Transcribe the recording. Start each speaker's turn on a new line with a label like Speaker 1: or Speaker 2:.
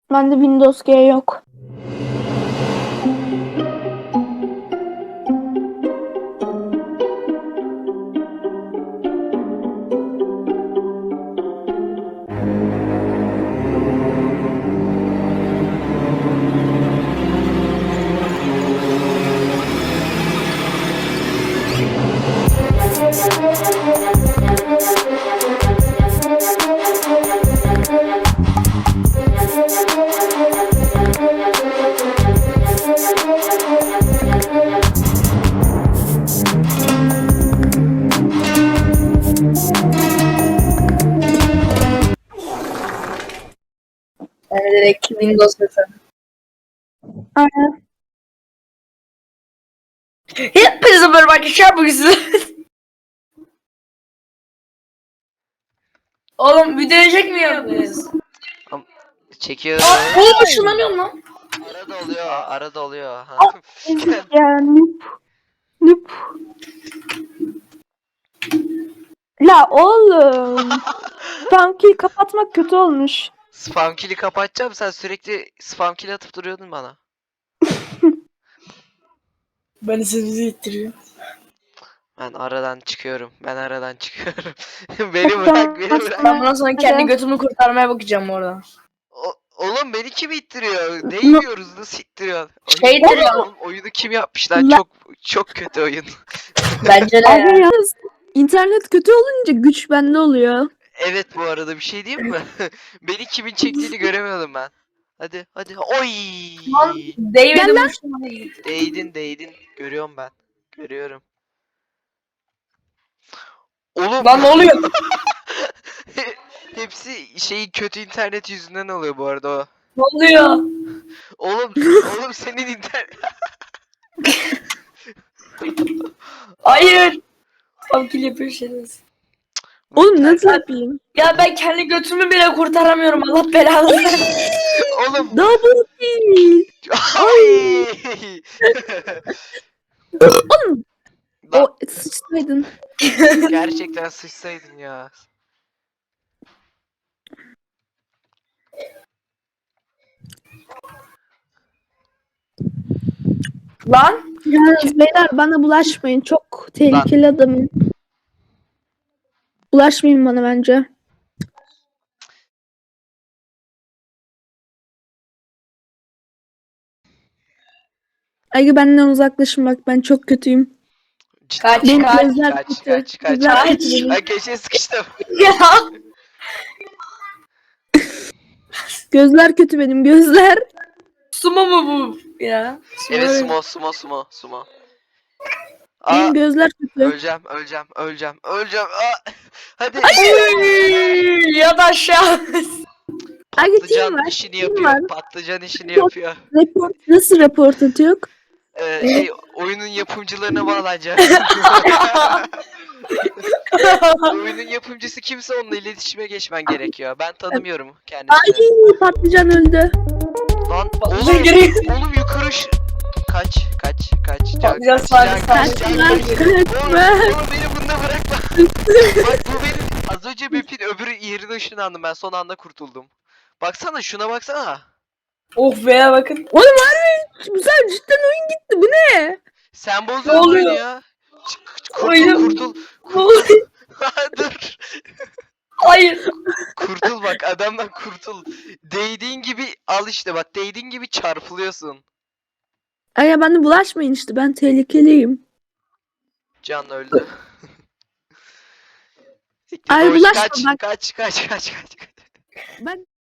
Speaker 1: Bende Windows G yok.
Speaker 2: Yani direkt Windows mesela.
Speaker 1: Aynen.
Speaker 2: Hepinize merhaba arkadaşlar, bugün size... Oğlum video çekmiyor muyuz?
Speaker 3: Çekiyorum.
Speaker 2: Oğlum ışınlanıyorum lan.
Speaker 3: Arada oluyor, arada oluyor.
Speaker 1: Yani nüp. La oğlum. Spam key kapatmak kötü olmuş.
Speaker 3: Spam kill'i kapatacağım. Sen sürekli spam kill atıp duruyordun bana.
Speaker 2: Beni sizi ittiriyor.
Speaker 3: Ben aradan çıkıyorum. Beni bırak, beni bırak.
Speaker 2: Ben bundan sonra kendi götümü kurtarmaya bakacağım orada.
Speaker 3: Oğlum beni kim ittiriyor? Ne yiyoruz? Nasıl ittiriyor?
Speaker 2: Şey ittiriyor.
Speaker 3: Oğlum, oyunu kim yapmış lan? Çok kötü oyun.
Speaker 2: Bence de
Speaker 1: Abi
Speaker 2: ya.
Speaker 1: yalnız internet kötü olunca güç bende oluyor.
Speaker 3: Evet, bu arada bir şey diyeyim mi? Beni kimin çektiğini göremiyordum ben. Hadi hadi. Oy!
Speaker 2: Lan David'in uçtuğuna gitti.
Speaker 3: Değdin. Görüyorum ben. Görüyorum. Oğlum.
Speaker 2: Lan ne oluyor?
Speaker 3: Hepsi kötü internet yüzünden oluyor bu arada o.
Speaker 2: Ne oluyor?
Speaker 3: Oğlum senin internet.
Speaker 2: Hayır. Tamkil yapıyor şeyler.
Speaker 1: Oğlum nasıl yapayım?
Speaker 2: Ya ben kendi götümü bile kurtaramıyorum, Allah belanı versin.
Speaker 3: Oğlum.
Speaker 1: Double kill.
Speaker 3: Ay!
Speaker 1: Oğlum.
Speaker 3: Lan,
Speaker 1: O sıçsaydın.
Speaker 3: gerçekten sıçsaydın ya.
Speaker 2: Lan.
Speaker 1: Yalnız beyler bana bulaşmayın. Çok tehlikeli adamım. Bulaşmayın bana bence. Ay benden uzaklaşın bak, ben çok kötüyüm.
Speaker 2: Kaç,
Speaker 1: Benim
Speaker 2: kaç,
Speaker 1: gözler
Speaker 3: kaç,
Speaker 1: kötü.
Speaker 3: kaç, kaç,
Speaker 1: Gözler
Speaker 2: kaç.
Speaker 1: kötü benim.
Speaker 3: Ay, köşeye sıkıştım.
Speaker 2: Ya.
Speaker 1: Gözler kötü benim, gözler.
Speaker 2: Sumo mu bu ya?
Speaker 3: Evet,
Speaker 2: Sumo.
Speaker 3: sumo.
Speaker 1: Benim gözler kötü.
Speaker 3: Öleceğim. Aa, hadi.
Speaker 2: Ya da aşağı.
Speaker 1: Ay
Speaker 3: Patlıcan
Speaker 1: var.
Speaker 3: işini
Speaker 1: team
Speaker 3: yapıyor.
Speaker 1: var.
Speaker 3: Patlıcan işini yapıyor.
Speaker 1: Report, nasıl report atıyor?
Speaker 3: Oyunun yapımcılarına bağlanacak. Oyunun yapımcısı kimse onunla iletişime geçmen gerekiyor. Ben tanımıyorum
Speaker 1: Ay
Speaker 3: kendisini.
Speaker 1: patlıcan öldü.
Speaker 3: Lan
Speaker 2: Patlıcan
Speaker 3: oğlum,
Speaker 2: geliyor.
Speaker 3: oğlum yukarı kaç.
Speaker 2: Patlıcan sağ-
Speaker 1: Kaçma,
Speaker 3: Oğlum
Speaker 1: kaçma.
Speaker 3: beni bunda bırakma. Bak, bu benim az önce map'in öbür yerine ışınlandım, ben son anda kurtuldum. Baksana, şuna baksana.
Speaker 2: Oh be, bakın.
Speaker 1: Oğlum harbi güzel, cidden oyun gitti, bu ne?
Speaker 3: Sen bozdun
Speaker 2: Ne
Speaker 3: oyunu
Speaker 2: oluyor?
Speaker 3: ya.
Speaker 2: Oyun-
Speaker 3: Kurtul.
Speaker 2: Ne oluyor?
Speaker 3: Dur.
Speaker 2: Hayır.
Speaker 3: Kurtul bak, adamdan kurtul. Değdiğin gibi al işte, bak değdiğin gibi çarpılıyorsun.
Speaker 1: Ay ya bana bulaşmayın işte, ben tehlikeliyim.
Speaker 3: Can öldü.
Speaker 1: Ay
Speaker 3: Boş,
Speaker 1: bulaşma bak.
Speaker 3: kaç.
Speaker 1: Ben